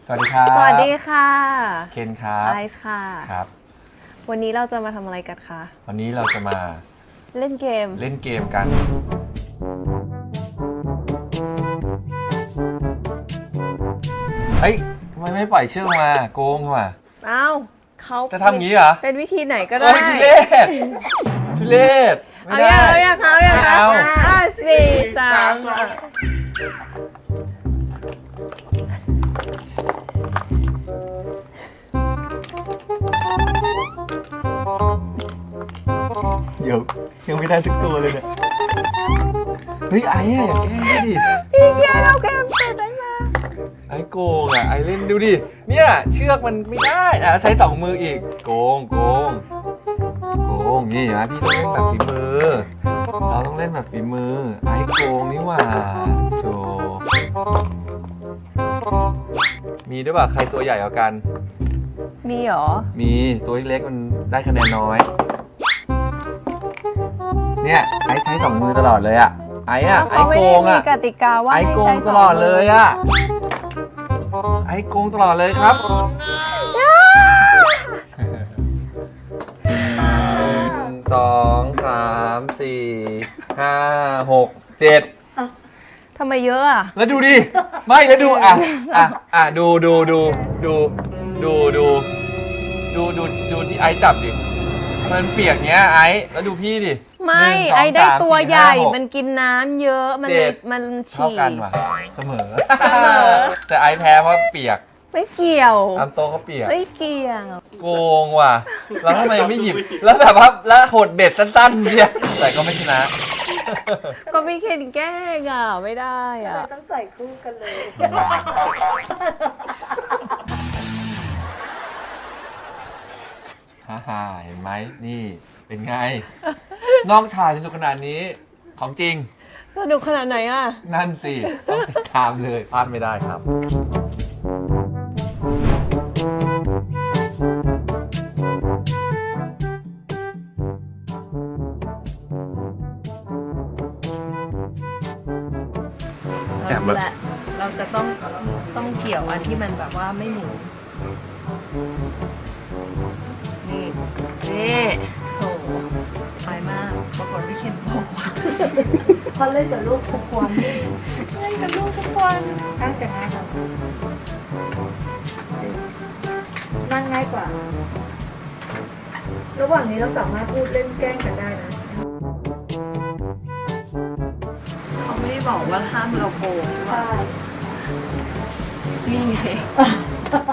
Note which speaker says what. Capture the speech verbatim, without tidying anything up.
Speaker 1: สวัสดีครับ
Speaker 2: สวัสดีค่ะ
Speaker 1: เคนครับ
Speaker 2: ไอซ์ค่ะ
Speaker 1: ครับ
Speaker 2: วันนี้เราจะมาทำอะไรกันคะ
Speaker 1: วันนี้เราจะมา
Speaker 2: เล่นเกม
Speaker 1: เล่นเกมกันเฮ้ยทำไมไม่ปล่อยเชือกมาโกงว่ะ
Speaker 2: อ้าวเขา
Speaker 1: จะทำงี้เหรอ
Speaker 2: เป็นวิธีไหนก็ได้
Speaker 1: เฮ้ยทุเรศทุเรศไม่
Speaker 2: เอา
Speaker 1: ได้
Speaker 2: อย่างเอาอย่างเอาอย่าง
Speaker 1: ไม่เอา
Speaker 2: ห้าสี่สาม
Speaker 1: เดี๋ยวยังไม่ได้สักตัวเลยเนี่ยเฮ้ยไอ้อะอย่าแกล้งดิ
Speaker 2: พี่แกเราเกมเสร็จได้มา
Speaker 1: ไอ้โกงอ่ะไอ้เล่นดูดิเนี่ยเชือกมันไม่ได้อ่ะใช้สองมืออีกโกงโกงโกงนี่นะพี่ต้องเล่นแบบฝีมือเราต้องเล่นแบบฝีมือไอ้โกงนี่หว่าโจมีด้วยป่ะใครตัวใหญ่กว่ากัน
Speaker 2: มีเหรอ
Speaker 1: มีตัวเล็กๆมันได้คะแนนน้อยเนี่ยไอ้ใช้สองมือตลอดเลยอ่ะไอ้อะไอ้
Speaker 2: เขาไม่
Speaker 1: โก
Speaker 2: ได้
Speaker 1: ง
Speaker 2: มี
Speaker 1: อ่ะ
Speaker 2: กติกาว่า
Speaker 1: ไอ้
Speaker 2: ให้
Speaker 1: โก
Speaker 2: ใช้
Speaker 1: ง
Speaker 2: ส
Speaker 1: ต
Speaker 2: อง
Speaker 1: ลอดเลยอ่ะไอ้โกงตลอดเลยครับหนึ่งสองสามสี่ห้าหกเจ็ด
Speaker 2: ทำไมเยอะอ่ะ
Speaker 1: แล้วดูดิไม่แล้วดูอ่ะอ่ะอ่ะดูดูดูดูดูดูดูดูดูที่ไอ้จับดิมันเปียกเนี้ยไอ้แล้วดูพี่ดิ
Speaker 2: ไม่
Speaker 1: หนึ่งสง
Speaker 2: ไอ้ได้
Speaker 1: สาม
Speaker 2: ตัว
Speaker 1: สี่
Speaker 2: ใหญ่
Speaker 1: าหก
Speaker 2: มันกินน้ำเยอะมัน
Speaker 1: เจ็
Speaker 2: เลย
Speaker 1: ด
Speaker 2: มัน
Speaker 1: เท่า
Speaker 2: ฉี่
Speaker 1: กันว่ะเสมอ
Speaker 2: เสมอ
Speaker 1: แต่ไอ้แพ้เพราะเปียก
Speaker 2: ไม่เกี่ยว
Speaker 1: อันโตเขาเปียก
Speaker 2: ไม่เกี่ยว
Speaker 1: โกงว่ะแล้วทำไมไม่หยิบแล้วแบบว่าแล้วหดเบ็ดสั้นๆเนี่ยแต่ก็ไม่ชนะ
Speaker 2: ก็ไม่เคนแกล้งอ่ะไม่ได้อ่ะ
Speaker 3: ต้องใส่คู่กันเลย
Speaker 1: ฮ่าฮ่าเห็นไหมนี่เป็นไง น้องชายสนุกขนาดนี้ของจริง
Speaker 2: สนุกขนาดไหนอ่ะ
Speaker 1: นั่นสิ ต้องติดตามเลยพลาดไม่ได้ครับ
Speaker 2: เรารู้แล้วเราจะต้องต้องเกี่ยวอันที่มันแบบว่าไม่หมุนนี่นี่โหไปมากปรากฏพี่เคนบอกว่า
Speaker 3: เขาเล่นกับลูกทุกวัน
Speaker 2: เล่นกับลูกทุกวัน
Speaker 3: น่าจะง่ายกว่านั่งง่ายกว่า ระหว่างนี้เราสามารถพูดเล่นแกล้งกันได้นะ
Speaker 2: เขาไม่ได้บอกว่าห้ามเราโกงใช่ปะ
Speaker 3: ใช่
Speaker 2: นี่ไง